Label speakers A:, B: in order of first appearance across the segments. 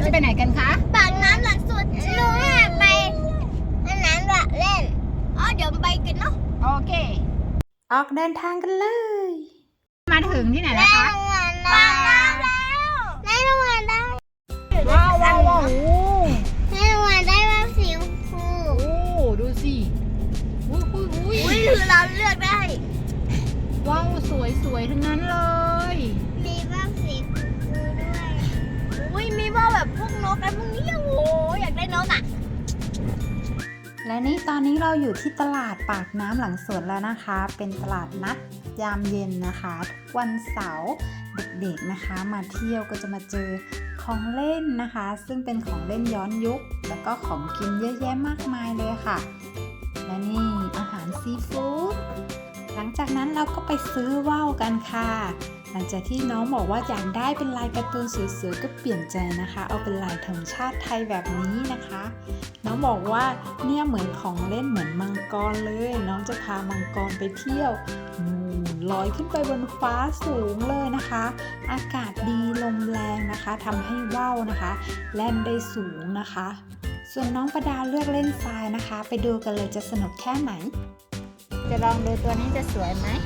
A: จะไปไหนกันคะ
B: ปากน้ำหลังสุดลุงอยากไปอันนั้นแบบเล่นเดี๋ยวไปกันเนาะ
A: โอเค
C: ออกเดินทางกันเลย
A: มาถึงที่ไหนแล้วคะ
B: ปากน้ำแล้วได้รางวัลได้
A: ว้าวว้าวว้าว
B: ได้รางวัลได้แบบสีชมพู
A: โอ้ดูสิ
B: อุ้ยคือเราเลือกได้
A: ว้าวสวยทั้งนั้นเลย
B: มีบ้างสีชมพูด้วยอุ้ยมีบ้างแบบพวกนกอะไรพวกนี้โอ้อยากได้นกอ่ะ
C: และนี่ตอนนี้เราอยู่ที่ตลาดปากน้ำหลังสวนแล้วนะคะ เป็นตลาดนัดยามเย็นนะคะทุกวันเสาร์เด็กๆนะคะมาเที่ยวก็จะมาเจอของเล่นนะคะ ซึ่งเป็นของเล่นย้อนยุคแล้วก็ของกินเยอะแยะมากมายเลยค่ะและนี่อาหารซีฟู้ดหลังจากนั้นเราก็ไปซื้อว่าวกันค่ะหลังจากที่น้องบอกว่าอยากได้เป็นลายการ์ตูนสวยๆก็เปลี่ยนใจนะคะเอาเป็นลายธงชาติไทยแบบนี้นะคะน้องบอกว่าเนี่ยเหมือนของเล่นเหมือนมังกรเลยน้องจะพามังกรไปเที่ยวลอยขึ้นไปบนฟ้าสูงเลยนะคะอากาศดีลมแรงนะคะทำให้ว่าวนะคะแล่นได้สูงนะคะส่วนน้องประดาเลือกเล่นทรายนะคะไปดูกันเลยจะสนุกแค่ไหน
A: จะลองดูตัวนี้จะสวยไหม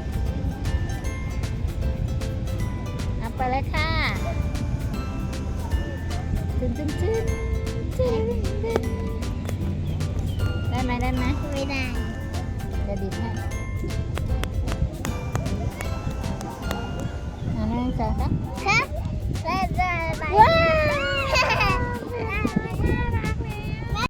A: เอาไปเลยค่ะจึ้นได้ไหม
B: ไม่ได้
A: เดี๋ยวดิบให้นั่นสองครับ
B: ฮะได้
A: ว้า